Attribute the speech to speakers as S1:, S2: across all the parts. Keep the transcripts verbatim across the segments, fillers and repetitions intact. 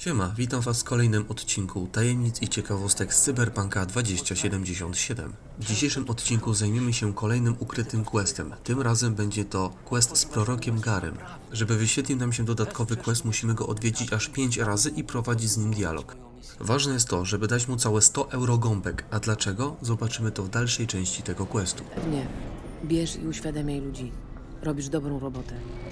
S1: Siema, witam was w kolejnym odcinku tajemnic i ciekawostek z Cyberpunka dwa tysiące siedemdziesiąt siedem. W dzisiejszym odcinku zajmiemy się kolejnym ukrytym questem. Tym razem będzie to quest z prorokiem Garym. Żeby wyświetlił nam się dodatkowy quest, musimy go odwiedzić aż pięć razy i prowadzić z nim dialog. Ważne jest to, żeby dać mu całe sto euro gąbek, a dlaczego? Zobaczymy to w dalszej części tego questu.
S2: Nie. Bierz i uświadamiaj ludzi. Robisz dobrą robotę.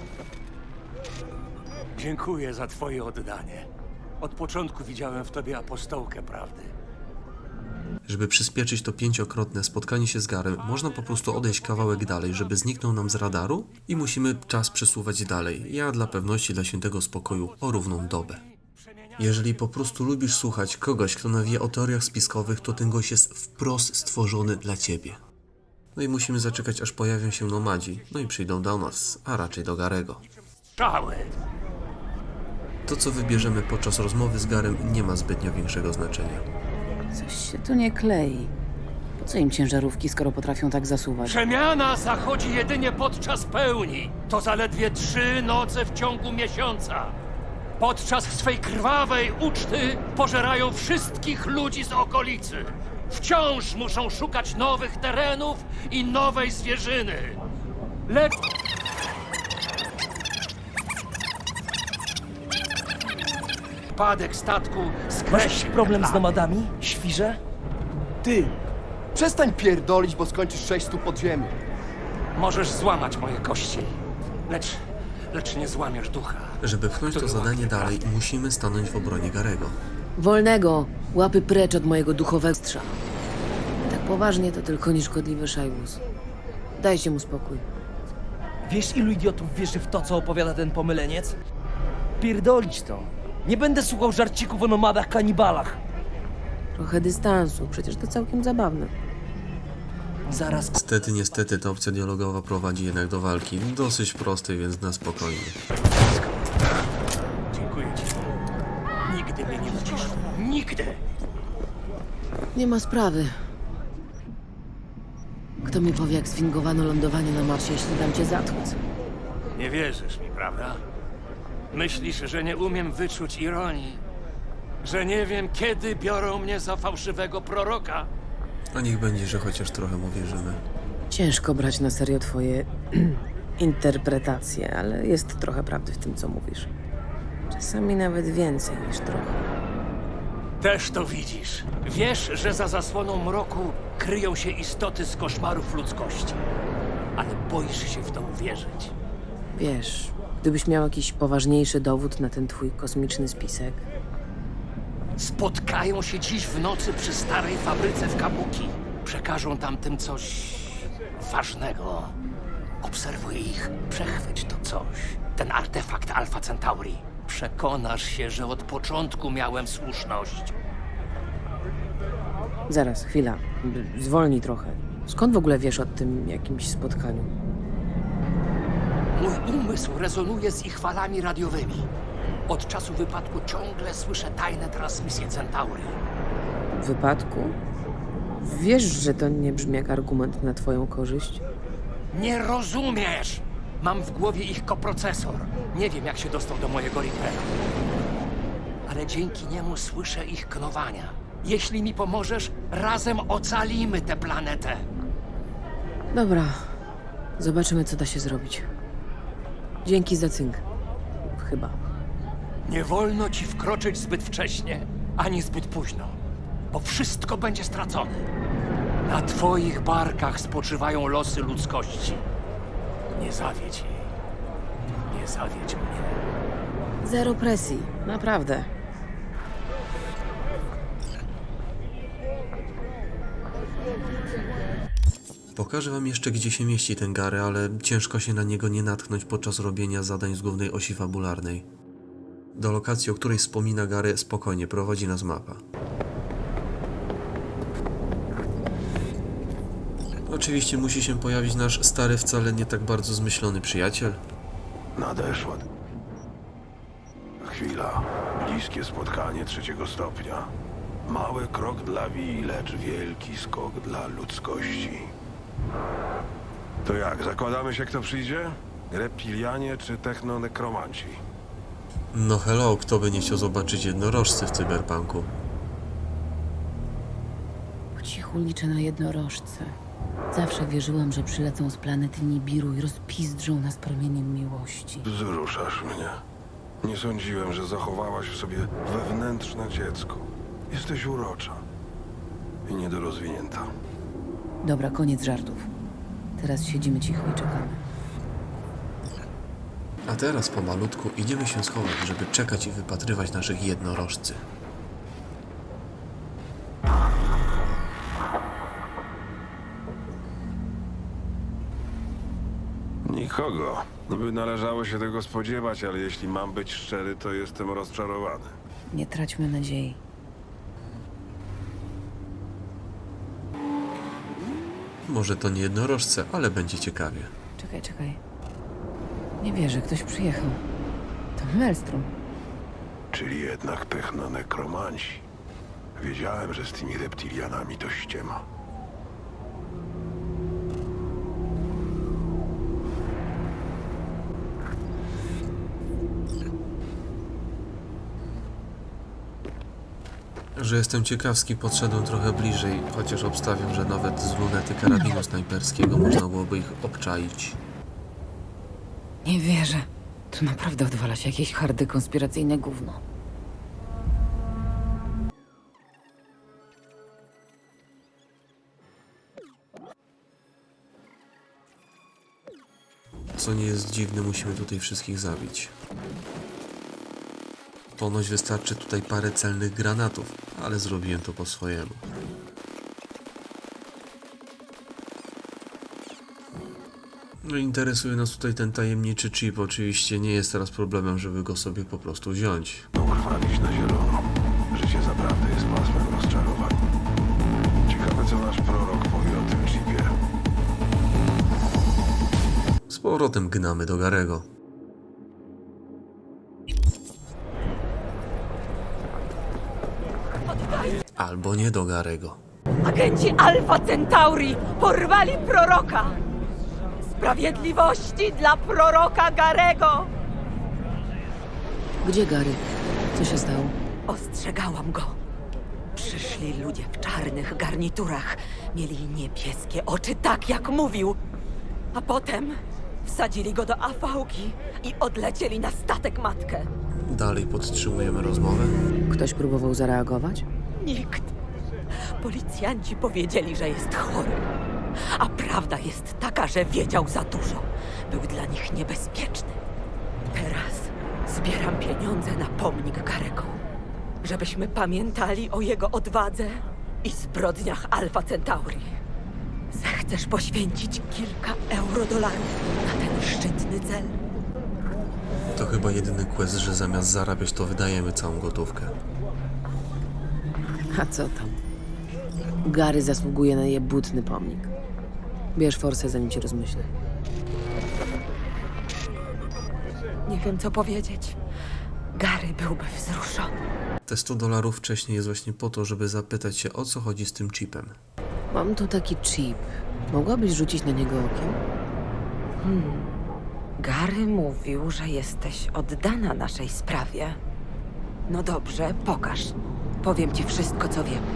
S3: Dziękuję za twoje oddanie. Od początku widziałem w tobie apostołkę prawdy.
S1: Żeby przyspieszyć to pięciokrotne spotkanie się z Garym, można po prostu odejść kawałek dalej, żeby zniknął nam z radaru i musimy czas przesuwać dalej. Ja dla pewności, dla świętego spokoju, o równą dobę. Jeżeli po prostu lubisz słuchać kogoś, kto nawie o teoriach spiskowych, to ten gość jest wprost stworzony dla ciebie. No i musimy zaczekać, aż pojawią się nomadzi, no i przyjdą do nas, a raczej do Garego.
S3: Strzały!
S1: To, co wybierzemy podczas rozmowy z Garym, nie ma zbytnio większego znaczenia.
S2: Coś się tu nie klei. Po co im ciężarówki, skoro potrafią tak zasuwać?
S3: Przemiana zachodzi jedynie podczas pełni. To zaledwie trzy noce w ciągu miesiąca. Podczas swej krwawej uczty pożerają wszystkich ludzi z okolicy. Wciąż muszą szukać nowych terenów i nowej zwierzyny. Lecz... Padek statku
S4: Masz
S3: skreślił
S4: jakiś problem
S3: te
S4: z
S3: plany.
S4: nomadami, świrze?
S5: Ty! Przestań pierdolić, bo skończysz sześć stóp pod ziemią.
S3: Możesz złamać moje kości, lecz, lecz nie złamiesz ducha.
S1: Żeby pchnąć to zadanie dalej, musimy stanąć w obronie Garego.
S2: Wolnego! Łapy precz od mojego duchowego strza. Tak poważnie to tylko nieszkodliwy szajbus. Dajcie mu spokój.
S4: Wiesz, ilu idiotów wierzy w to, co opowiada ten pomyleniec? Pierdolić to. Nie będę słuchał żarcików o nomadach kanibalach.
S2: Trochę dystansu, przecież to całkiem zabawne.
S4: Zaraz
S1: Niestety, niestety ta opcja dialogowa prowadzi jednak do walki. Dosyć prostej, więc na spokojnie.
S3: Dziękuję ci. Nigdy mnie nie ucisz. Nigdy!
S2: Nie ma sprawy. Kto mi powie, jak sfingowano lądowanie na Marsie, jeśli dam cię zatłuc?
S3: Nie wierzysz mi, prawda? Myślisz, że nie umiem wyczuć ironii? Że nie wiem, kiedy biorą mnie za fałszywego proroka?
S1: A niech będzie, że chociaż trochę mu wierzymy.
S2: Ciężko brać na serio twoje interpretacje, ale jest trochę prawdy w tym, co mówisz. Czasami nawet więcej niż trochę.
S3: Też to widzisz. Wiesz, że za zasłoną mroku kryją się istoty z koszmarów ludzkości. Ale boisz się w to uwierzyć.
S2: Wiesz, gdybyś miał jakiś poważniejszy dowód na ten twój kosmiczny spisek,
S3: Spotkają się dziś w nocy przy starej fabryce w Kabuki. Przekażą tamtym coś ważnego. Obserwuj ich, przechwyć to coś. Ten artefakt Alpha Centauri. Przekonasz się, że od początku miałem słuszność.
S2: zaraz, chwila, b- zwolnij trochę. Skąd w ogóle wiesz o tym jakimś spotkaniu?
S3: Mój umysł rezonuje z ich falami radiowymi. Od czasu wypadku ciągle słyszę tajne transmisje Centauri.
S2: W wypadku? Wiesz, że to nie brzmi jak argument na twoją korzyść?
S3: Nie rozumiesz! Mam w głowie ich koprocesor. Nie wiem, jak się dostał do mojego Reapera. Ale dzięki niemu słyszę ich knowania. Jeśli mi pomożesz, razem ocalimy tę planetę.
S2: Dobra, zobaczymy, co da się zrobić. Dzięki za cynk. Chyba.
S3: Nie wolno ci wkroczyć zbyt wcześnie, ani zbyt późno, bo wszystko będzie stracone. Na twoich barkach spoczywają losy ludzkości. Nie zawiedź jej. Nie zawiedź mnie.
S2: Zero presji, naprawdę.
S1: Pokażę wam jeszcze, gdzie się mieści ten Gary, ale ciężko się na niego nie natknąć podczas robienia zadań z głównej osi fabularnej. Do lokacji, o której wspomina Gary, spokojnie prowadzi nas mapa. Oczywiście musi się pojawić nasz stary, wcale nie tak bardzo zmyślony przyjaciel.
S6: Nadeszła chwila. Bliskie spotkanie trzeciego stopnia. Mały krok dla Wi, lecz wielki skok dla ludzkości. To jak, zakładamy się, kto przyjdzie? Reptilianie czy technonekromanci?
S1: No hello, kto by nie chciał zobaczyć jednorożcy w cyberpunku?
S2: Po cichu liczę na jednorożce. Zawsze wierzyłam, że przylecą z planety Nibiru i rozpizdrzą nas promieniem miłości.
S6: Wzruszasz mnie. Nie sądziłem, że zachowałaś w sobie wewnętrzne dziecko. Jesteś urocza i niedorozwinięta.
S2: Dobra, koniec żartów. Teraz siedzimy cicho i czekamy.
S1: A teraz pomalutku idziemy się schować, żeby czekać i wypatrywać naszych jednorożcy.
S6: Nikogo. Niby należało się tego spodziewać, ale jeśli mam być szczery, to jestem rozczarowany.
S2: Nie traćmy nadziei.
S1: Może to nie jednorożce, ale będzie ciekawie.
S2: Czekaj, czekaj. Nie wierzę, ktoś przyjechał. To Maelstrom.
S6: Czyli jednak technonekromanci. Wiedziałem, że z tymi reptilianami to ściema.
S1: Że jestem ciekawski, podszedłem trochę bliżej, chociaż obstawiam, że nawet z lunety karabinu snajperskiego można byłoby ich obczaić.
S2: Nie wierzę. Tu naprawdę odwala się jakieś hardy konspiracyjne gówno.
S1: Co nie jest dziwne, musimy tutaj wszystkich zabić. Ponoć wystarczy tutaj parę celnych granatów, ale zrobiłem to po swojemu. No, interesuje nas tutaj ten tajemniczy chip. Oczywiście nie jest teraz problemem, żeby go sobie po prostu wziąć.
S6: Ukrwawić na zielono. Życie zaprawdę jest pasmem rozczarowań. Ciekawe, co nasz prorok powie o tym chipie.
S1: Z powrotem gnamy do Garego. Albo nie do Garego.
S7: Agenci Alfa Centauri porwali proroka! Sprawiedliwości dla proroka Garego!
S2: Gdzie Gary? Co się stało?
S7: Ostrzegałam go. Przyszli ludzie w czarnych garniturach. Mieli niebieskie oczy, tak jak mówił. A potem wsadzili go do afałki i odlecieli na statek matkę.
S1: Dalej podtrzymujemy rozmowę.
S2: Ktoś próbował zareagować?
S7: Nikt. Policjanci powiedzieli, że jest chory. A prawda jest taka, że wiedział za dużo. Był dla nich niebezpieczny. Teraz zbieram pieniądze na pomnik Garego. Żebyśmy pamiętali o jego odwadze i zbrodniach Alfa Centauri. Zechcesz poświęcić kilka eurodolarów na ten szczytny cel?
S1: To chyba jedyny quest, że zamiast zarabiać, to wydajemy całą gotówkę.
S2: A co tam? Gary zasługuje na jebutny pomnik. Bierz forsę, zanim cię rozmyślę.
S7: Nie wiem, co powiedzieć. Gary byłby wzruszony.
S1: Te sto dolarów wcześniej jest właśnie po to, żeby zapytać się, o co chodzi z tym chipem.
S2: Mam tu taki chip. Mogłabyś rzucić na niego okiem?
S7: Gary mówił, że jesteś oddana naszej sprawie. No dobrze, pokaż. Powiem ci wszystko, co wiem.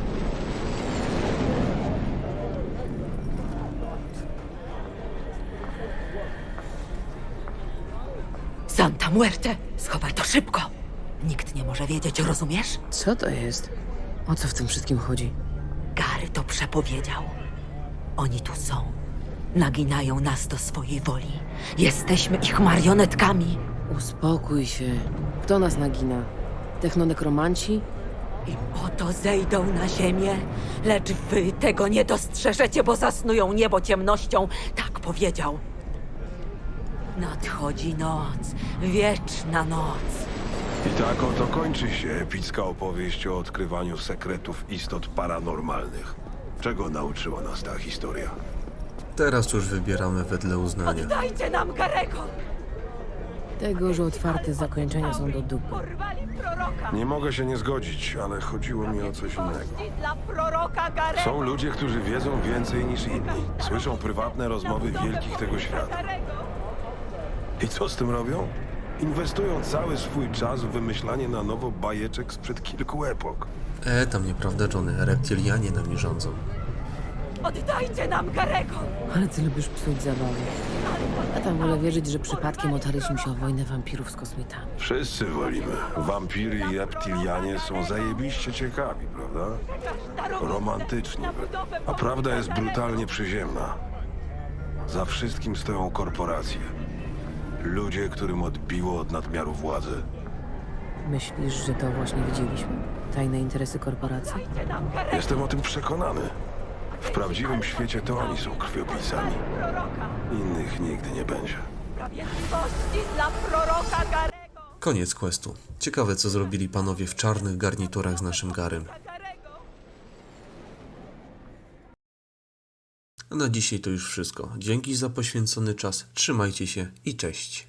S7: Santa Muerte! Schowaj to szybko! Nikt nie może wiedzieć, rozumiesz?
S2: Co to jest? O co w tym wszystkim chodzi?
S7: Gary to przepowiedział. Oni tu są. Naginają nas do swojej woli. Jesteśmy ich marionetkami.
S2: Uspokój się. Kto nas nagina? Technonekromanci?
S7: I oto zejdą na ziemię, lecz wy tego nie dostrzeżecie, bo zasnują niebo ciemnością. Tak powiedział. Nadchodzi noc, wieczna noc.
S6: I tak oto kończy się epicka opowieść o odkrywaniu sekretów istot paranormalnych. Czego nauczyła nas ta historia?
S1: Teraz już wybieramy wedle uznania.
S7: Oddajcie nam Garego!
S2: Tego, że otwarte zakończenia są do dupy.
S7: Porwali proroka!
S6: Nie mogę się nie zgodzić, ale chodziło mi o coś innego.
S7: Sprawiedliwości dla proroka Garego!
S6: Są ludzie, którzy wiedzą więcej niż inni. Słyszą prywatne rozmowy wielkich tego świata. I co z tym robią? Inwestują cały swój czas w wymyślanie na nowo bajeczek sprzed kilku epok.
S1: E, tam nieprawda, Johnny. Reptilianie nami rządzą.
S7: Oddajcie nam Garego!
S2: Ale ty lubisz psuć zabawę. Ja tam wolę wierzyć, że przypadkiem otarliśmy się o wojnę wampirów z kosmitami.
S6: Wszyscy wolimy. Wampiry i reptilianie są zajebiście ciekawi, prawda? Romantyczni. A prawda jest brutalnie przyziemna. Za wszystkim stoją korporacje. Ludzie, którym odbiło od nadmiaru władzy.
S2: Myślisz, że to właśnie widzieliśmy? Tajne interesy korporacji?
S6: Jestem o tym przekonany. W prawdziwym świecie to oni są krwiopijcami. Innych nigdy nie będzie.
S7: Sprawiedliwości dla proroka Garego!
S1: Koniec questu. Ciekawe, co zrobili panowie w czarnych garniturach z naszym Garym. A na dzisiaj to już wszystko. Dzięki za poświęcony czas. Trzymajcie się i cześć.